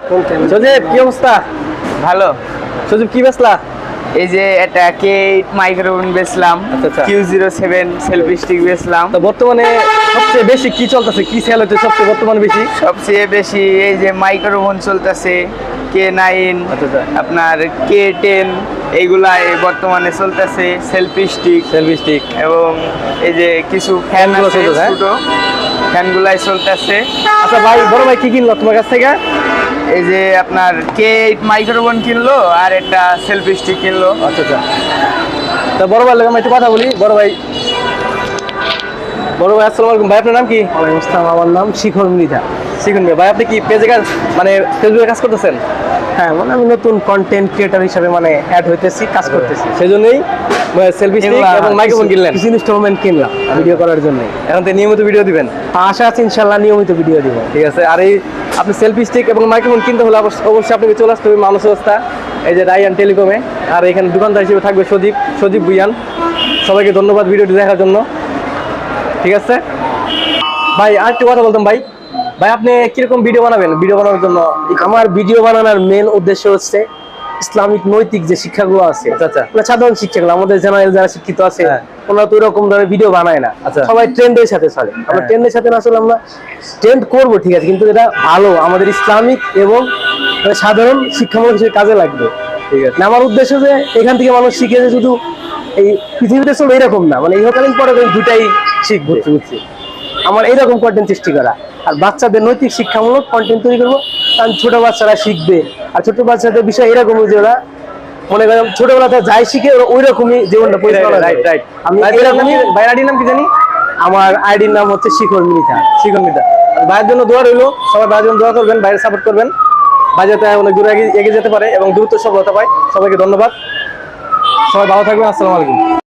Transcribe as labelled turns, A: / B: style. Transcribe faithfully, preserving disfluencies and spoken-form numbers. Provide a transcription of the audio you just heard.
A: সজীব কি অবস্থা?
B: ভালো।
A: সজীব কি বেচলা?
B: এই যে এটা কে এইট মাইক্রোওভেন বেচলাম,
A: আচ্ছা, আচ্ছা।
B: Q zero seven selfie stick বেচলাম।
A: তো বর্তমানে সবচেয়ে বেশি কি চলতেছে, কি সেল হচ্ছে সবচেয়ে বর্তমানে বেশি?
B: সবচেয়ে বেশি এই যে মাইক্রোওভেন চলতেছে, কে নাইন,
A: আচ্ছা, আচ্ছা।
B: আপনার কে টেন, এইগুলাই বর্তমানে চলতেছে। সেলফি স্টিক
A: সেলফি স্টিক
B: এবং এই যে কিছু ফ্যান
A: ফ্যানগুলো
B: আছে
A: চলতেছে, হ্যাঁ?
B: ছোট, ফ্যানগুলাই চলতেছে।
A: আচ্ছা ভাই, বড় ভাই কি কিনলো তোমার কাছ থেকে?
B: এই যে আপনার কে এইট মাইক্রোওভেন কিনলো আর একটা সেলফি স্টিক কিনলো।
A: আচ্ছা, আচ্ছা। তা বড় ভাই লাগে আমি একটু কথা বলি। বড় ভাই বড় ভাই আসসালামু আলাইকুম। ভাই আপনার নাম কি?
C: ওয়ালাইকুম আসসালাম, আমার নাম শিখর মৃধা।
A: শিখুন ভাই। ভাই আপনি কি পেজে কাজ মানে ফেসবুকে কাজ করতেছেন?
C: হ্যাঁ, মানে আমি নতুন কন্টেন্ট ক্রিয়েটর হিসেবে মানে অ্যাড হইতেছি, কাজ করতেছি।
A: সেই জন্যই সেলফি স্টিক
C: এগুলা
A: এবং মাইক্রোফোন কিনলেন।
C: কিছু ইনস্টলমেন্ট কিনলাম ভিডিও করার জন্য।
A: এখন তো নিয়মিত ভিডিও দিবেন?
C: আশা আছে ইনশাল্লাহ নিয়মিত ভিডিও দিব।
A: ঠিক আছে। আর এই আপনি সেলফি স্টিক এবং মাইক্রোফোন কিনতে হলে অবশ্য- অবশ্যই আপনাকে চলে আসতে হবে মানুষ অবস্থা এই যে রায়ান টেলিকমে। আর এখানে দোকানদার হিসেবে থাকবে সজীব সজীব ভুইয়ান। সবাইকে ধন্যবাদ ভিডিওটি দেখার জন্য। ঠিক আছে ভাই, আর একটু কথা বলতাম ভাই। ভাই আপনি কিরকম ভিডিও বানাবেন? ভিডিও বানানোর জন্য
C: আমার ভিডিও বানানোর মেন উদ্দেশ্য হচ্ছে ইসলামিক নৈতিক যে শিক্ষাগুলো আছে,
A: আচ্ছা, আচ্ছা।
C: ওগুলো সাধারণ শিক্ষাগুলো আমাদের জেনারেল যারা শিক্ষিত আছে
A: হ্যাঁ।
C: ওনারা তো এরকম ধরনের ভিডিও বানায় না।
A: আচ্ছা।
C: সবাই ট্রেন্ডের সাথে চলে। আমরা
A: হ্যাঁ।
C: ট্রেন্ডের সাথে না চলে আমরা ট্রেন্ড করবো, ঠিক আছে, কিন্তু এটা ভালো আমাদের ইসলামিক এবং মানে সাধারণ শিক্ষামূলক হিসেবে কাজে লাগবে।
A: ঠিক আছে।
C: না, আমার উদ্দেশ্য যে এখান থেকে মানুষ শিখে যে শুধু এই পৃথিবীতে চলবে এরকম না, মানে ইহকালীন পরে দুটাই শিখবে।
A: বুঝছি।
C: আমার এইরকম কন্টেন্ট সৃষ্টি করা আর বাচ্চাদের নৈতিক শিক্ষামূলক কন্টেন্ট তৈরি করবো, কারণ ছোট বাচ্চারা শিখবে। আর ছোট বাচ্চাদের বিষয় এরকম যে ওরা মনে করেন ছোটবেলাতে যাই শিখে ওরা ওই রকমই জীবনটা পরিচালনা করে।
A: Right right.
C: আমি
A: ভাই
C: এরকমই।
A: ভাইয়ের আইডির নাম কি জানি?
C: আমার আইডির নাম হচ্ছে শিখর মৃধা।
A: শিখুন মিতা। ভাইয়ের জন্য দোয়া রইলো, সবাই ভাইয়ের জন্য দোয়া করবেন, বাইরে সাপোর্ট করবেন। ভাই যাতে অনেক দূরে এগিয়ে এগিয়ে যেতে পারে এবং দ্রুত সফলতা পায়। সবাইকে ধন্যবাদ। সবাই ভালো থাকবেন। আসসালামু আলাইকুম।